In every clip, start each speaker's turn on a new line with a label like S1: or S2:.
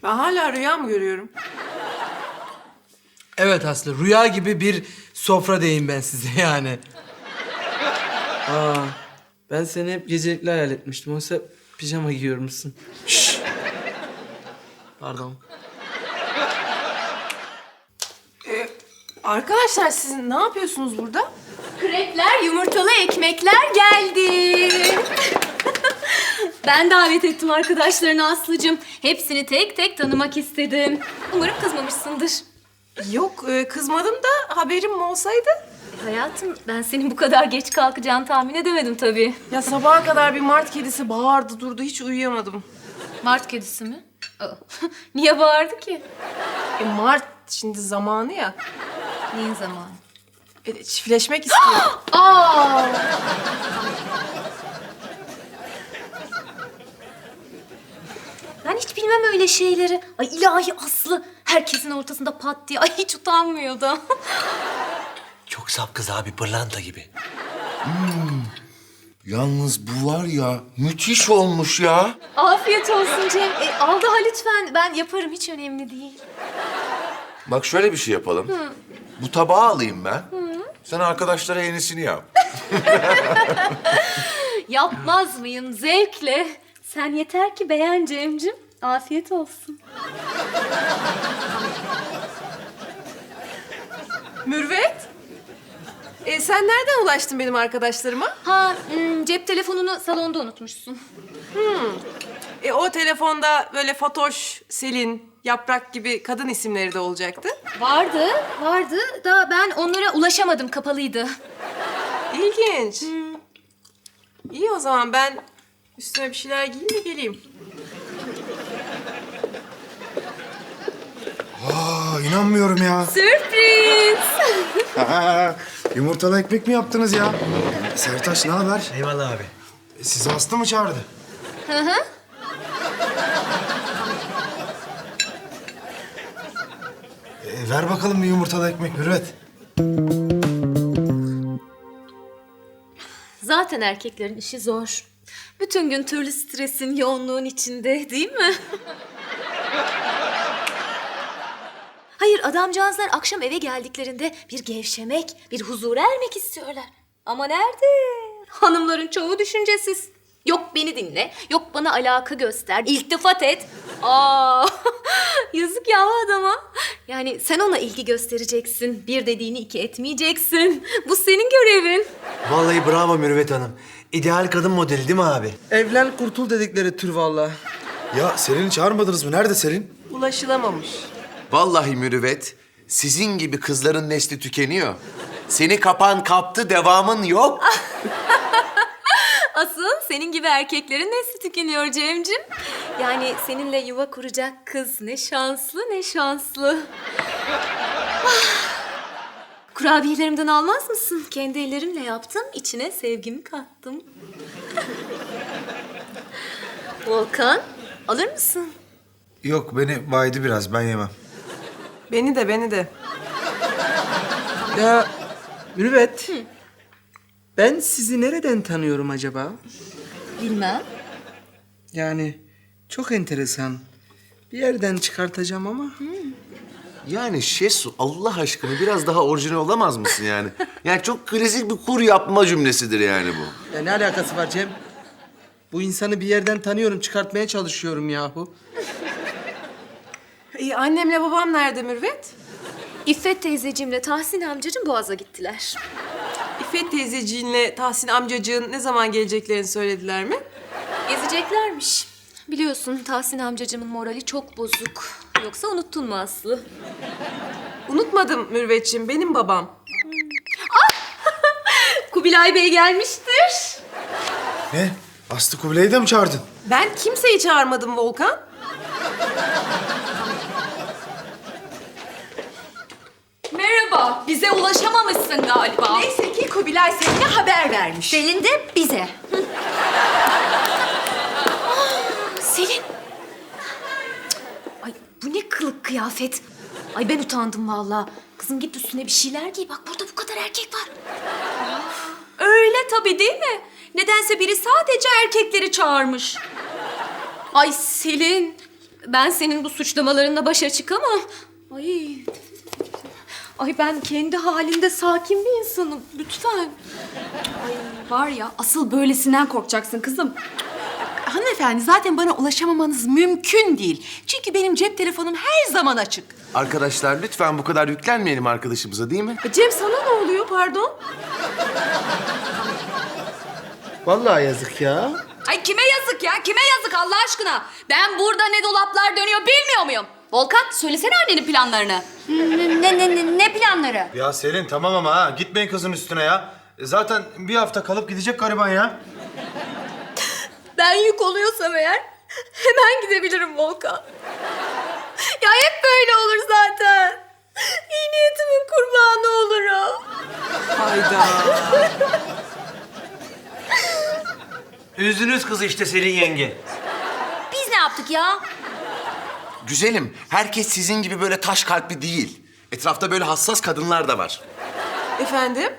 S1: Ben hala rüya mı görüyorum?
S2: Evet Aslı, rüya gibi bir sofra diyeyim ben size yani. Ben seni hep gecelikli hayal etmiştim. Oysa pijama giyiyormuşsun. Şşş. Pardon.
S1: Arkadaşlar siz ne yapıyorsunuz burada?
S3: Krepler, yumurtalı ekmekler geldi. Ben davet ettim arkadaşlarını Aslı'cığım. Hepsini tek tek tanımak istedim. Umarım kızmamışsındır.
S1: Yok kızmadım da haberim olsaydı.
S3: Hayatım, ben senin bu kadar geç kalkacağını tahmin edemedim tabii.
S1: Ya sabaha kadar bir mart kedisi bağırdı durdu hiç uyuyamadım.
S3: Mart kedisi mi? Aa, niye bağırdı ki?
S1: Mart şimdi zamanı ya.
S3: Neyin zamanı?
S1: Çiftleşmek istiyor.
S3: Aa! Ben hiç bilmem öyle şeyleri. Ay ilahi Aslı. Herkesin ortasında pat diye. Ay hiç utanmıyor da.
S4: Çok saf kız abi, pırlanta gibi.
S5: Yalnız bu var ya, müthiş olmuş ya.
S3: Afiyet olsun Cem. Al daha lütfen. Ben yaparım. Hiç önemli değil.
S5: Bak şöyle bir şey yapalım. Bu tabağı alayım ben. Sen arkadaşlara yenisini yap.
S3: Yapmaz mıyım? Zevkle. Sen yeter ki beğen Cem'cim. Afiyet olsun.
S1: Mürvet. Sen nereden ulaştın benim arkadaşlarıma?
S3: Cep telefonunu salonda unutmuşsun.
S1: O telefonda böyle Fatoş, Selin, Yaprak gibi kadın isimleri de olacaktı.
S3: Vardı da ben onlara ulaşamadım. Kapalıydı.
S1: İlginç. İyi o zaman ben üstüme bir şeyler giyeyim de geleyim.
S6: İnanmıyorum ya.
S3: Sürpriz.
S6: Yumurtalı ekmek mi yaptınız ya? Sertaç ne haber?
S4: Eyvallah abi.
S6: Sizi Aslı mı çağırdı? Ver bakalım bir yumurtalı ekmek Mürvet.
S3: Zaten erkeklerin işi zor. Bütün gün türlü stresin, yoğunluğun içinde değil mi? Hayır, adamcağızlar akşam eve geldiklerinde bir gevşemek, bir huzura ermek istiyorlar. Ama nerede? Hanımların çoğu düşüncesiz. Yok beni dinle, yok bana alaka göster, iltifat et. Yazık ya adama. Yani sen ona ilgi göstereceksin, bir dediğini iki etmeyeceksin. Bu senin görevin.
S4: Vallahi bravo Mürüvvet Hanım. İdeal kadın modeli değil mi abi?
S2: Evlen kurtul dedikleri tür vallahi.
S6: Ya Selin'i çağırmadınız mı? Nerede Selin?
S1: Ulaşılamamış.
S5: Vallahi Mürüvvet, sizin gibi kızların nesli tükeniyor. Seni kapan kaptı, devamın yok.
S3: Asıl senin gibi erkeklerin nesli tükeniyor Cem'cim. Yani seninle yuva kuracak kız ne şanslı ne şanslı. Kurabiyelerimden almaz mısın? Kendi ellerimle yaptım, içine sevgimi kattım. Volkan, alır mısın?
S6: Yok beni baydı biraz ben yemem.
S1: Beni de.
S2: Ya Mürüvvet. Ben sizi nereden tanıyorum acaba?
S3: Bilmem.
S2: Yani çok enteresan. Bir yerden çıkartacağım ama.
S5: Yani Şesu, Allah aşkına biraz daha orijinal olamaz mısın yani? Yani çok klasik bir kur yapma cümlesidir yani bu.
S2: Ya ne alakası var Cem? Bu insanı bir yerden tanıyorum, çıkartmaya çalışıyorum yahu.
S1: Annemle babam nerede Mürvet?
S3: İffet teyzeciğimle Tahsin amcacığım Boğaz'a gittiler.
S1: İffet teyzeciğinle Tahsin amcacığın ne zaman geleceklerini söylediler mi?
S3: Gezeceklermiş. Biliyorsun Tahsin amcacığımın morali çok bozuk. Yoksa unuttun mu Aslı?
S1: Unutmadım Mürvetciğim, benim babam.
S3: Kubilay Bey gelmiştir.
S6: Ne? Aslı Kubilay'ı da mı çağırdın?
S1: Ben kimseyi çağırmadım Volkan.
S7: Merhaba, bize ulaşamamışsın galiba.
S1: Neyse ki Kubilay Selin'e haber vermiş.
S3: Selin de bize. Selin. Ay bu ne kılık kıyafet. Ay ben utandım vallahi. Kızım git üstüne bir şeyler giy. Bak burada bu kadar erkek var.
S7: Öyle tabii değil mi? Nedense biri sadece erkekleri çağırmış. Ay Selin,
S3: Ben senin bu suçlamalarınla başa çıkamam. Ay. Ay ben kendi halinde sakin bir insanım. Lütfen.
S7: Ay var ya asıl böylesinden korkacaksın kızım.
S1: Hanımefendi zaten bana ulaşamamanız mümkün değil. Çünkü benim cep telefonum her zaman açık.
S5: Arkadaşlar lütfen bu kadar yüklenmeyelim arkadaşımıza değil mi?
S1: Cem sana ne oluyor pardon?
S2: Vallahi yazık ya.
S3: Ay kime yazık ya? Kime yazık Allah aşkına? Ben burada ne dolaplar dönüyor bilmiyor muyum? Volkan söylesene annenin planlarını. Ne planları?
S6: Ya Selin tamam ama ha. Gitmeyin kızın üstüne ya. Zaten bir hafta kalıp gidecek gariban ya.
S3: Ben yük oluyorsam eğer hemen gidebilirim Volkan. Ya hep böyle olur zaten. İyi niyetimin kurbanı olurum.
S1: Hayda.
S4: Üzdünüz kızı işte Selin yenge.
S3: Biz ne yaptık ya?
S5: Güzelim, herkes sizin gibi böyle taş kalpli değil. Etrafta böyle hassas kadınlar da var.
S1: Efendim?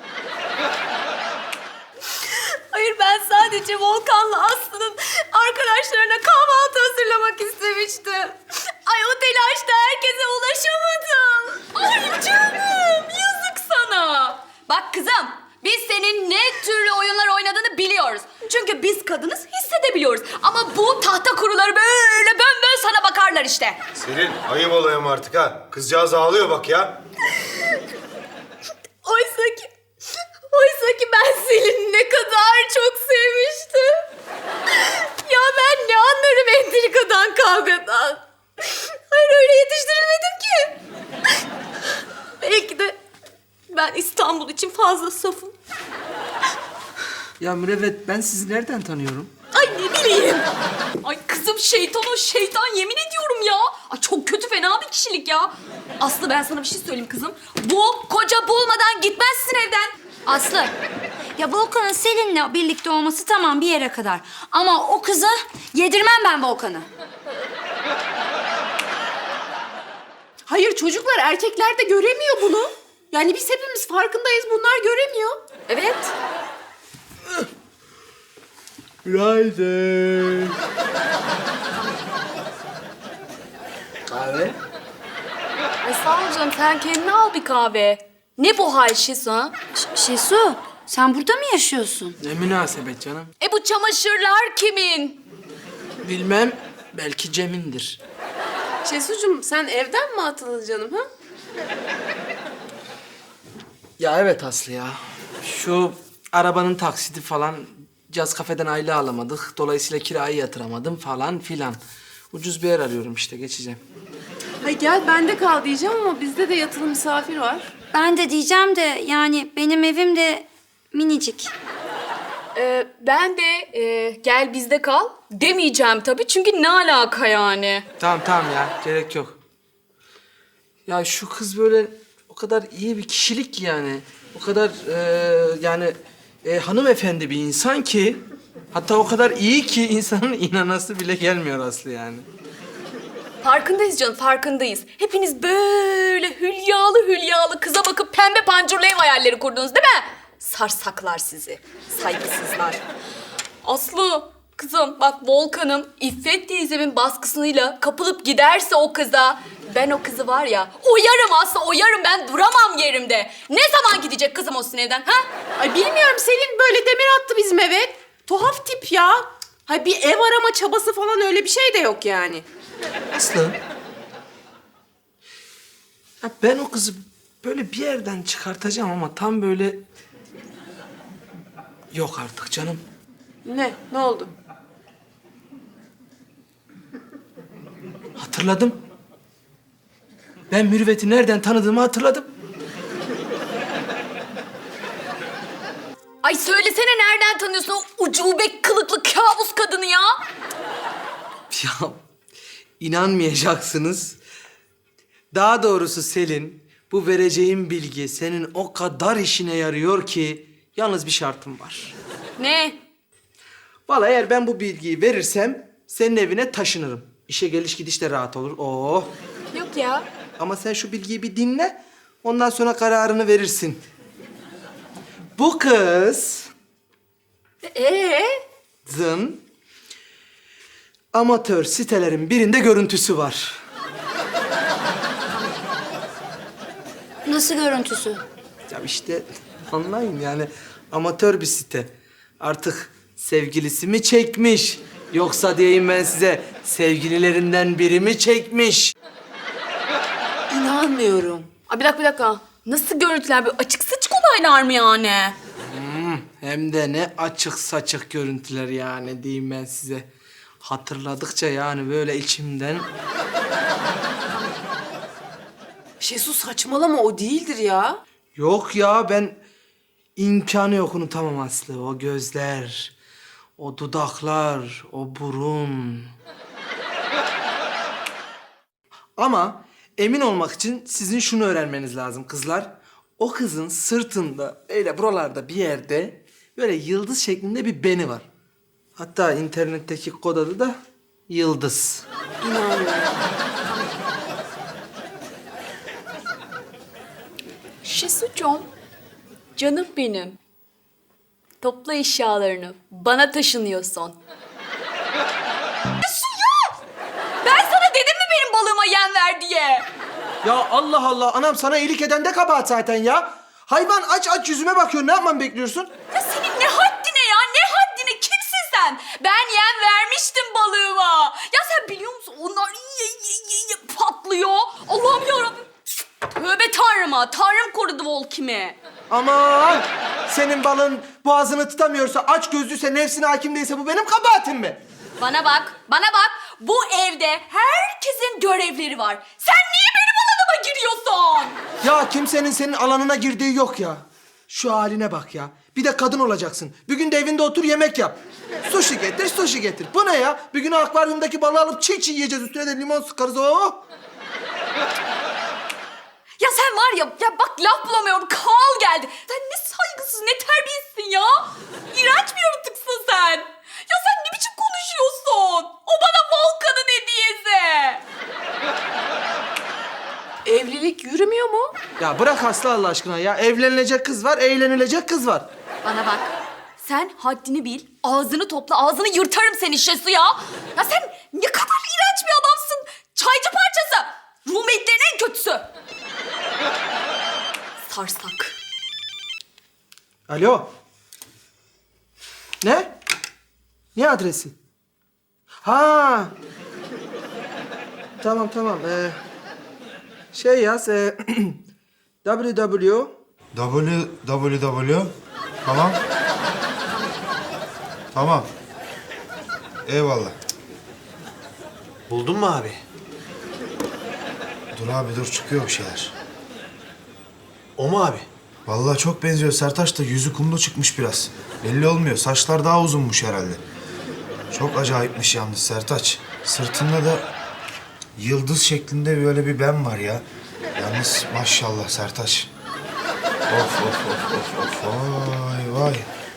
S3: Hayır ben sadece Volkan'la Aslı'nın arkadaşlarına kahvaltı hazırlamak istemiştim. Ay o telaşta herkese ulaşamadım. Ay canım yazık sana. Bak kızım biz senin ne türlü oyunlar oynadığını biliyoruz. Çünkü biz kadınız hissedebiliyoruz. Ama bu tahta kuruları böyle bön sana bakarlar işte.
S6: Selin ayıp olayım artık ha. Kızcağız ağlıyor bak ya.
S3: Oysa ki ben Selin'i ne kadar çok sevmiştim. Ya ben ne anlarım entrikadan, kavgadan. Hayır öyle yetiştirilmedim ki. Belki de ben İstanbul için fazla safım.
S2: Ya Mürüvvet ben sizi nereden tanıyorum?
S3: Ay ne bileyim. Ay kızım şeytan o şeytan yemin ediyorum ya. Ay çok kötü fena bir kişilik ya. Aslı ben sana bir şey söyleyeyim kızım. Bu koca bulmadan gitmezsin evden.
S8: Aslı, ya Volkan'ın Selin'le birlikte olması tamam bir yere kadar. Ama o kızı yedirmem ben Volkan'ı.
S1: Hayır çocuklar erkekler de göremiyor bunu. Yani biz hepimiz farkındayız bunlar göremiyor.
S3: Evet.
S2: Günaydın. Kahve?
S3: Ay sağ ol canım sen kendine al bir kahve. Ne bu hal Şesu ha?
S8: Şesu, sen burada mı yaşıyorsun?
S2: Ne münasebet canım.
S3: Bu çamaşırlar kimin?
S2: Bilmem, belki Cem'indir.
S1: Şesucuğum sen evden mi atıldın canım ha?
S2: Ya evet Aslı ya. Şu arabanın taksiti falan, caz kafeden aile alamadık. Dolayısıyla kirayı yatıramadım falan filan. Ucuz bir yer arıyorum işte, geçeceğim.
S1: Hay gel bende kal diyeceğim ama bizde de yatılı misafir var.
S8: Ben de diyeceğim de yani benim evim de minicik.
S7: Ben de gel bizde kal demeyeceğim tabii çünkü ne alaka yani?
S2: Tamam ya, gerek yok. Ya şu kız böyle o kadar iyi bir kişilik ki yani. O kadar yani hanımefendi bir insan ki... Hatta o kadar iyi ki insanın inanası bile gelmiyor Aslı yani.
S7: Farkındayız canım farkındayız. Hepiniz böyle hülyalı kıza bakıp pembe pancurlu ev hayalleri kurdunuz değil mi? Sarsaklar sizi, saygısızlar. Aslı kızım bak Volkan'ım İffet teyzemin baskısıyla kapılıp giderse o kıza... Ben o kızı var ya oyarım Aslı oyarım ben duramam yerimde. Ne zaman gidecek kızım o sizin evden ha?
S1: Ay bilmiyorum Selin böyle demir attı bizim eve. Tuhaf tip ya. Hay bir ev arama çabası falan öyle bir şey de yok yani.
S2: Aslı. Ya ben o kızı böyle bir yerden çıkartacağım ama tam böyle... Yok artık canım.
S1: Ne? Ne oldu?
S2: Hatırladım. Ben Mürüvvet'i nereden tanıdığımı hatırladım.
S7: Ay söylesene nereden tanıyorsun o ucube kılıklı kabus kadını ya?
S2: Ya inanmayacaksınız. Daha doğrusu Selin, bu vereceğim bilgi senin o kadar işine yarıyor ki yalnız bir şartım var.
S7: Ne?
S2: Vallahi eğer ben bu bilgiyi verirsem senin evine taşınırım. İşe geliş gidiş de rahat olur. Oo.
S7: Yok ya.
S2: Ama sen şu bilgiyi bir dinle. Ondan sonra kararını verirsin. Bu kız... Zın amatör sitelerin birinde görüntüsü var.
S8: Nasıl görüntüsü?
S2: Ya işte anlayın yani amatör bir site. Artık sevgilisi mi çekmiş? Yoksa diyeyim ben size sevgililerinden biri mi çekmiş?
S1: İnanmıyorum.
S7: Ay bir dakika. Nasıl görüntüler? Böyle açık saçık olaylar mı yani?
S2: Hem de ne açık saçık görüntüler yani diyeyim ben size. Hatırladıkça yani böyle içimden...
S1: Şesu saçmalama, o değildir ya.
S2: Yok ya ben imkanı yok unutamam Aslı. O gözler, o dudaklar, o burun. Ama emin olmak için sizin şunu öğrenmeniz lazım kızlar. O kızın sırtında öyle buralarda bir yerde böyle yıldız şeklinde bir beni var. Hatta internetteki kod adı da Yıldız.
S7: Şesucuğum, canım benim. Topla eşyalarını. Bana taşınıyorsun. Şesu ya! Ben sana dedim mi benim balığıma yem ver diye?
S2: Ya Allah Allah anam sana iyilik eden de kabahat zaten ya. Hayvan aç yüzüme bakıyor ne yapmamı bekliyorsun?
S7: Ya senin ne haddine ya? Ne haddine? Kimsin sen? Ben yem vermiştim balığıma. Ya sen biliyor musun? Onlar patlıyor. Allah'ım yarabbim. Tövbe tanrıma. Tanrım korudu Volkim'i.
S2: Aman senin balın boğazını tutamıyorsa aç gözlüyse nefsine hakim değilse bu benim kabahatim mi?
S7: Bana bak, bana bak. Bu evde herkesin görevleri var. Sen niye benim alanıma giriyorsun?
S2: Ya kimsenin senin alanına girdiği yok ya. Şu haline bak ya. Bir de kadın olacaksın. Bir gün de evinde otur yemek yap. Sushi getir, sushi getir. Bu ne ya? Bir gün akvaryumdaki balığı alıp çiğ çiğ yiyeceğiz. Üstüne de limon sıkarız. Oh!
S7: Ya sen var ya bak laf bulamıyorum. Kal geldi. Sen ne saygısız, ne terbiyesizsin ya. İğrenç bir yaratıksın sen. Ya sen ne biçim konuşuyorsun? O bana Volkan'ın hediyesi.
S1: Evlilik yürümüyor mu?
S2: Ya bırak Aslı Allah aşkına ya. Evlenilecek kız var, eğlenilecek kız var.
S7: Bana bak. Sen haddini bil. Ağzını topla. Ağzını yırtarım seni Şesu ya. Ya sen ne kadar iğrenç bir adamsın. Çaycı parçası. Rumetlerin en kötüsü. Sarsak.
S2: Alo. Ne? Ne adresi? Ha. Tamam. Şey yaz. www.
S6: www. Tamam. Tamam. Eyvallah.
S4: Buldun mu abi?
S6: Dur abi dur çıkıyor bir şeyler.
S4: O mu abi?
S6: Vallahi çok benziyor. Sertaç da yüzü kumlu çıkmış biraz. Belli olmuyor. Saçlar daha uzunmuş herhalde. Çok acayipmiş yalnız Sertaç. Sırtında da yıldız şeklinde böyle bir ben var ya. Yalnız maşallah Sertaç. Of. Vay.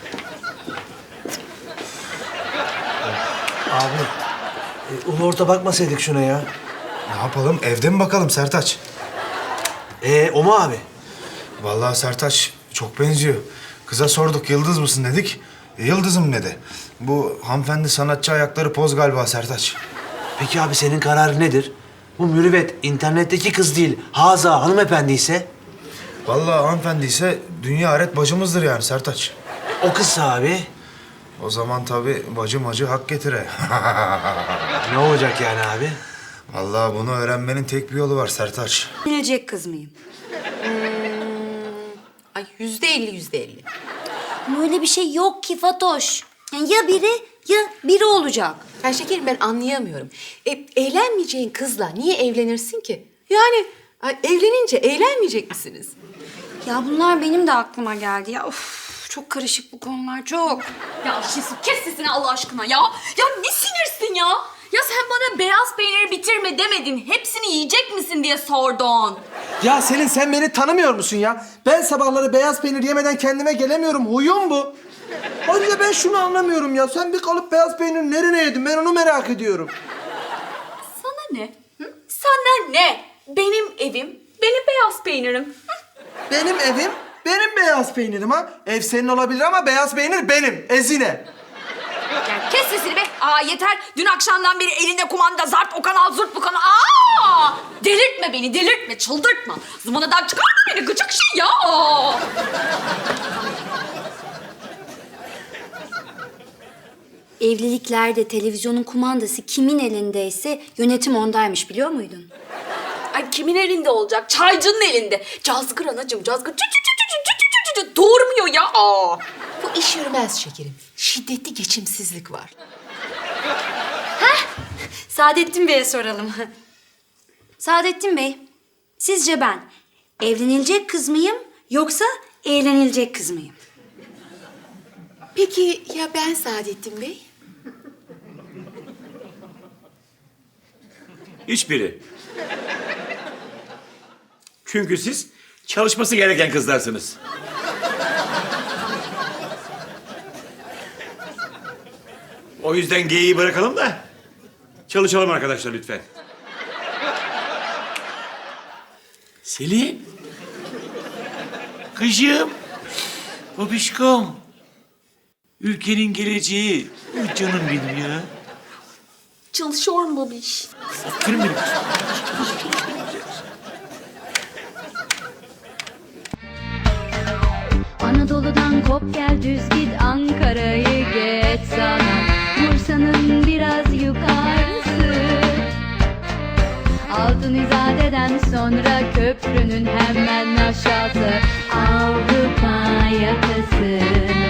S4: Abi, ulu orta bakmasaydık şuna ya.
S6: Ne yapalım? Evde mi bakalım Sertaç?
S4: O mu abi?
S6: Vallahi Sertaç çok benziyor. Kıza sorduk yıldız mısın dedik. Yıldızım dedi. Bu hanımefendi sanatçı ayakları poz galiba Sertaç.
S4: Peki abi senin kararın nedir? Bu mürüvvet internetteki kız değil, Haza hanımefendi ise
S6: Vallahi hanımefendi ise dünya aret bacımızdır yani Sertaç.
S4: o kızsa abi
S6: O zaman tabii bacım acı hak getire.
S4: ne olacak yani abi?
S6: Vallahi bunu öğrenmenin tek bir yolu var Sertaç.
S8: Evlenecek kız mıyım?
S1: Ay %50.
S8: Ama öyle bir şey yok ki Fatoş. Yani ya biri ya biri olacak.
S1: Ya şekerim ben anlayamıyorum. Eğlenmeyeceğin kızla niye evlenirsin ki? Yani ay, evlenince eğlenmeyecek misiniz?
S8: Ya bunlar benim de aklıma geldi ya. Of, çok karışık bu konular çok.
S7: Ya Şesu kes sesini Allah aşkına ya. Ya ne sinirsin ya? Ya sen bana beyaz peyniri bitirme demedin. Hepsini yiyecek misin diye sordun.
S2: Ya Selin sen beni tanımıyor musun ya? Ben sabahları beyaz peynir yemeden kendime gelemiyorum. Huyum bu. Ayrıca ben şunu anlamıyorum ya. Sen bir kalıp beyaz peynir nereye yedin? Ben onu merak ediyorum.
S7: Sana ne? Hı? Sana ne? Benim evim, benim beyaz peynirim. Hı?
S2: Benim evim, benim beyaz peynirim ha. Ev senin olabilir ama beyaz peynir benim. Ezine.
S7: Ya Kes sesini be. Aa yeter. Dün akşamdan beri elinde kumanda zarp o kanal zurt bu kanal. Aa! Delirtme beni, delirtme, çıldırtma. Zıvanadan çıkarma beni, gıcık şey ya.
S8: Evliliklerde televizyonun kumandası kimin elindeyse yönetim ondaymış, biliyor muydun?
S7: Ay kimin elinde olacak? Çaycının elinde. Cazgır anacığım, cazgır. Doğurmuyor ya. Aa.
S1: Bu iş yürümez şekerim. Şiddetli geçimsizlik var.
S8: Saadettin Bey'e soralım. Saadettin Bey, sizce ben evlenilecek kız mıyım yoksa eğlenilecek kız mıyım?
S1: Peki ya ben Saadettin Bey?
S9: Hiçbiri. Çünkü siz çalışması gereken kızlarsınız. O yüzden geyiği bırakalım da çalışalım arkadaşlar lütfen. Selim. Kızım. Babişkom. Ülkenin geleceği. Ay canım benim ya.
S7: Çalışıyor mu babiş?
S9: Aferin benim.
S10: Anadolu'dan kop gel düz git Ankara'yı geç sana Bursa'nın biraz yukarısı Altın İzade'den sonra köprünün hemen aşağısı Avrupa yakası